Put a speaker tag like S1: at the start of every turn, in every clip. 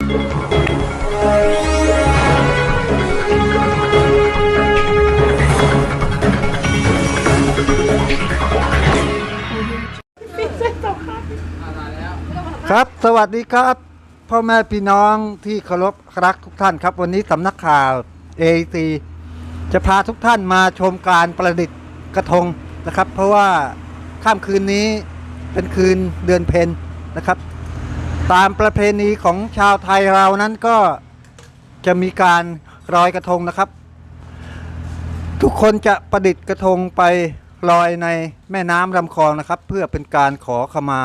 S1: ครับสวัสดีครับพ่อแม่พี่น้องที่เคารพรักทุกท่านครับวันนี้สำนักข่าว AEC จะพาทุกท่านมาชมการประดิษฐ์กระทงนะครับเพราะว่าค่ำคืนนี้เป็นคืนเดือนเพ็ญนะครับตามประเพณีของชาวไทยเรานั้นก็จะมีการลอยกระทงนะครับทุกคนจะประดิษฐ์กระทงไปลอยในแม่น้ำลำคลองนะครับเพื่อเป็นการขอขมา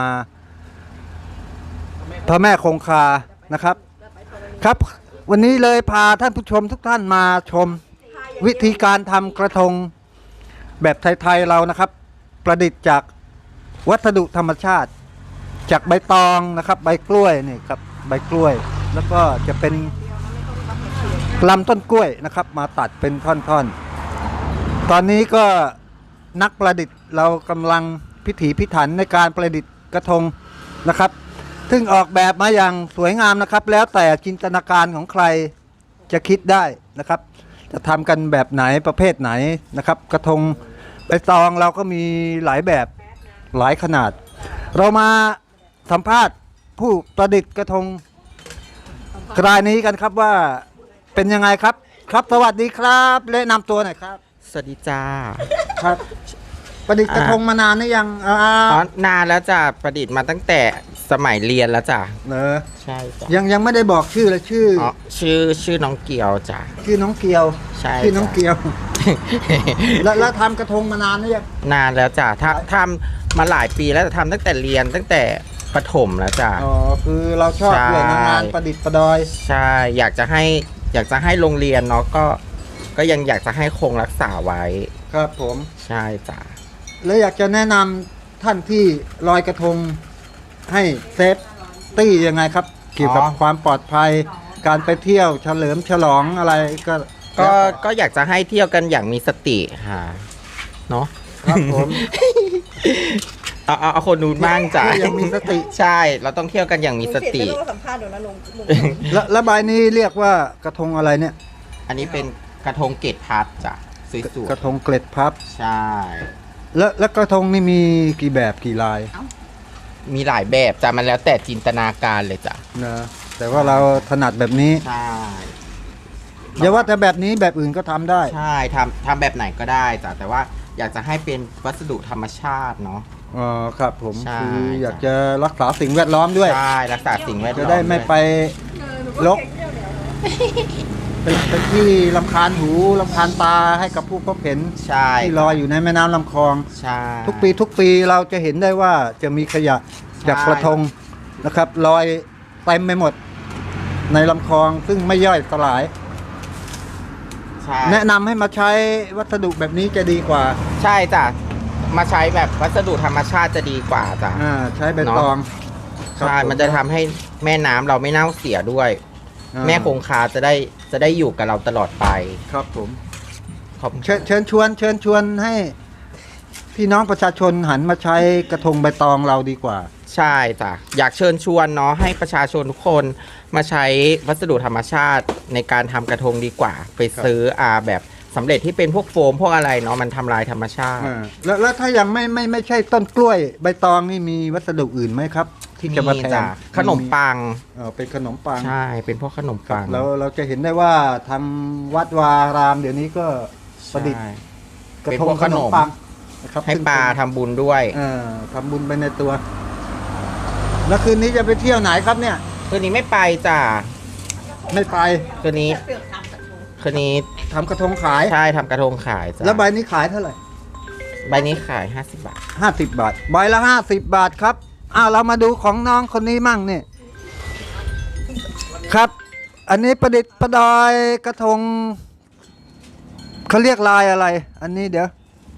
S1: พระแม่คงคานะครับครับวันนี้เลยพาท่านผู้ชมทุกท่านมาชมวิธีการทำกระทงแบบไทยๆเรานะครับประดิษฐ์จากวัสดุธรรมชาติจากใบตองนะครับใบกล้วยนี่ครับใบกล้วยแล้วก็จะเป็นลำต้นกล้วยนะครับมาตัดเป็นท่อนๆตอนนี้ก็นักประดิษฐ์เรากำลังพิถีพิถันในการประดิษฐ์กระทงนะครับซึ่งออกแบบมาอย่างสวยงามนะครับแล้วแต่จินตนาการของใครจะคิดได้นะครับจะทำกันแบบไหนประเภทไหนนะครับกระทงใบตองเราก็มีหลายแบบหลายขนาดเรามาสัมภาษณ์ผู้ประดิษฐ์กระทงรายนี้กันครับว่าเป็นยังไงครับครับสวัสดีครับแนะนำตัวหน่อยครับ
S2: สวัสดีจ้า
S1: ครับประดิษฐ์กระทงมานานหรือยัง
S2: นานแล้วจ้ะประดิษฐ์มาตั้งแต่สมัยเรียนแล้วจ้ะใช่จ้ะ
S1: ยังไม่ได้บอกชื่อเลย
S2: ชื่อน้องเกียวจ้ะ
S1: ชื่อน้องเกียว
S2: ใช่
S1: ชื่อน้องเกียวแล้วทำกระทงมานานหรือยัง
S2: นานแล้วจ้ะทำมาหลายปีแล้วทำตั้งแต่เรียนตั้งแต่ประถมแล้วจ้ะ
S1: อ๋อคือเราชอบเรื่องงานประดิษฐ์ประดอย
S2: ใช่อยากจะให้โรงเรียนเนาะก็ยังอยากจะให้คงรักษาไว้
S1: ครับผม
S2: ใช่จ้ะ
S1: แล้วอยากจะแนะนำท่านที่ลอยกระทงให้เซฟตี้ยังไงครับเกี่ยวกับความปลอดภัยการไปเที่ยวเฉลิมฉลองอะไร
S2: ก็อยากจะให้เที่ยวกันอย่างมีสติค่ะเนาะ
S1: ครับผม
S2: เอาคนนู้นบ้างจ้ะ
S1: ยังมีสติ
S2: ใช่เราต้องเที่ยวกันอย่างมีสติ
S1: สัมภาษณ์เดี๋ยวนะลงแล้วใบนี้เรียกว่ากระทงอะไรเนี่ย
S2: อันนี้เป็นกระทงเกล็ดพับจ้ะสวย
S1: ๆกระทงเกล็ดพับ
S2: ใช่
S1: แล้วกระทงนี่มีกี่แบบกี่ลาย
S2: มีหลายแบบจ้ะมันแล้วแต่จินตนาการเลยจ้ะ
S1: นะแต่ว่าเราถนัดแบบนี้
S2: ใช่
S1: อย่าว่าแต่แบบนี้แบบอื่นก็ทำได้
S2: ใช่ทำแบบไหนก็ได้จ้ะแต่ว่าอยากจะให้เป็นวัสดุธรรมชาติเนาะ
S1: อ๋อครับผมคืออยากจะรักษาสิ่งแวดล้อมด้วย
S2: ใช่รักษาสิ่งแวดล้อม
S1: จะได้ไม่ไปรกเป็นที่รำคาญหูรำคาญตาให้กับผู้พบเห็นที่ลอยอยู่ในแม่น้ำลำคลองทุกปีเราจะเห็นได้ว่าจะมีขยะจากกระทงนะครับลอยเต็มไปหมดในลำคลองซึ่งไม่ย่อยสลายแนะนำให้มาใช้วัสดุแบบนี้จะดีกว่า
S2: ใช่จ้ะมาใช้แบบวัสดุธรรมชาติจะดีกว่าจ้ะ
S1: ใช้ใบตอง
S2: ใช่มันจะทำให้แม่น้ำเราไม่เน่าเสียด้วยแม่คงคาจะได้อยู่กับเราตลอดไป
S1: ครับผมเชิญชวนให้พี่น้องประชาชนหันมาใช้กระทงใบตองเราดีกว่า
S2: ใช่จ้ะอยากเชิญชวนเนาะให้ประชาชนทุกคนมาใช้วัสดุธรรมชาติในการทำกระทงดีกว่าไปซื้อแบบสำเร็จที่เป็นพวกโฟมพวกอะไรเนาะมันทำลายธรรมชาติ
S1: แล้วถ้ายังไม่ใช่ต้นกล้วยใบตองนี่มีวัสดุอื่นไหมครับที่จะมาแทน
S2: ขนมปัง
S1: เป็นขนมปัง
S2: ใช่เป็นพวกขนมปัง
S1: เราจะเห็นได้ว่าทางวัดวารามเดี๋ยวนี้ก็ประดิษฐ์กระทงขนมปัง
S2: นะครับให้ปลาทำบุญด้วย
S1: ทำบุญไปในตัวแล้วคืนนี้จะไปเที่ยวไหนครับเนี่ย
S2: คืนนี้ไม่ไปจ้ะ
S1: ไม่ไป
S2: คืนนี้
S1: ทำกระทงขาย
S2: ใช่ทำกระทงขายจ้ะ
S1: แล้วใบนี้ขายเท่าไหร่
S2: ใบนี้ขาย50 บาท
S1: 50 บาทใบละ50 บาทครับเรามาดูของน้องคนนี้มั่งเนี่ยครับอันนี้ประดิษฐ์ประดอยกระทงเขาเรียกลายอะไรอันนี้เดี๋ยว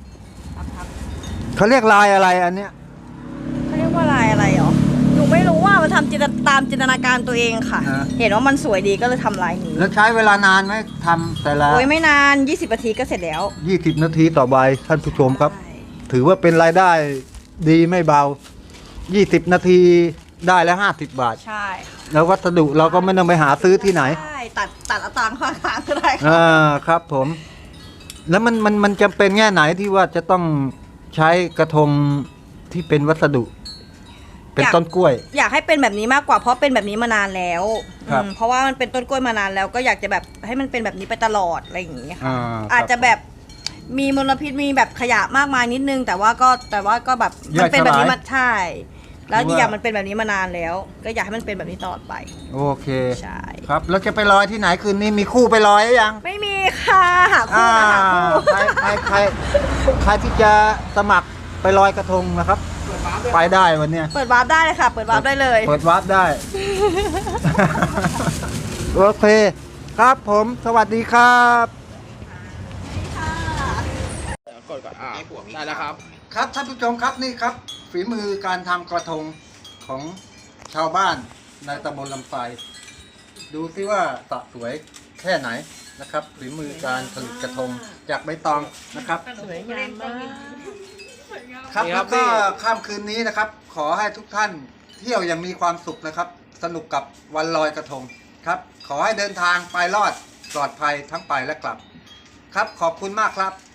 S1: เขาเรียกลายอะไรอันเนี้ย
S3: เขาเรียกว่าลายอะไรหรอหนูไม่รู้ว่ามันทำตามจินตนาการตัวเองค่ะเห็นว่ามันสวยดีก็เลยทำลายนี้
S1: แล้วใช้เวลานานไหมทำแต่ละ
S3: โอ้ยไม่นาน20 นาทีก็เสร็จแล้ว
S1: 20 นาทีต่อใบท่านผู้ชมครับถือว่าเป็นรายได้ดีไม่เบา20 นาทีได้แล้ว50 บาท
S3: ใช่
S1: แล้ววัสดุเราก็ไม่ต้องไปหาซื้อที่ไหน
S3: ใช่ตัดเอาตังค์ข้างๆก็ได้ค่ะ
S1: อ่าครับผม แล้วมันจำเป็นแง่ไหนที่ว่าจะต้องใช้กระทงที่เป็นวัสดุ เป็นต้นกล้วย
S3: อยากให้เป็นแบบนี้มากกว่าเพราะเป็นแบบนี้มานานแล้ว
S1: ครับ
S3: เพราะว่ามันเป็นต้นกล้วยมานานแล้ว ก็อยากจะแบบให้มันเป็นแบบนี้ไปตลอดอะไรอย่างเงี้ยค่ะ
S1: ครับ
S3: อาจจะแบบมีมลพิษมีแบบขยะมากมายนิดนึง แต่ว่าก็แบบมันเป็นแบบนี้มาใช่ แล้วอีกอย่างมันเป็นแบบนี้มานานแล้ว ก็อยากให้มันเป็นแบบนี้ตลอดไป
S1: โอเค
S3: ใช่
S1: ครับแล้วจะไปลอยที่ไหนคืนนี้มีคู่ไปลอยหรือยัง
S3: ไม่มีค่ะหาคู่นะหาคู่
S1: ใครที่จะสมัครไปลอยกระทงนะครับ ไปได้วันเนี้ย
S3: เปิดวาร์ปได้เลยค่ะ เปิดวาร์ปได้เลย
S1: เปิดวาร์ปได้ โอเค ครับผมสวัสดีครับ
S4: กดก่อนได้แล้วครับ
S1: ครับท่านผู้ชมครับนี่ครับ ฝีมือการทำกระทงของชาวบ้านในตำบลลำไยดูซิว่าสะสวยแค่ไหนนะครับ ฝีมือการผลิตกระทงจากใบตองนะครับ
S3: สวยงามมาก
S1: ครับ
S4: นี่ครั
S1: แล้
S4: บ
S1: วก็
S4: พี่
S1: ค่ำคืนนี้นะครับ ขอให้ทุกท่านเที่ยวอย่างมีความสุขนะครับ สนุกกับวันลอยกระทงครับ ขอให้เดินทางไปรอดปลอดภัยทั้งไปและกลับ ครับขอบคุณมากครับ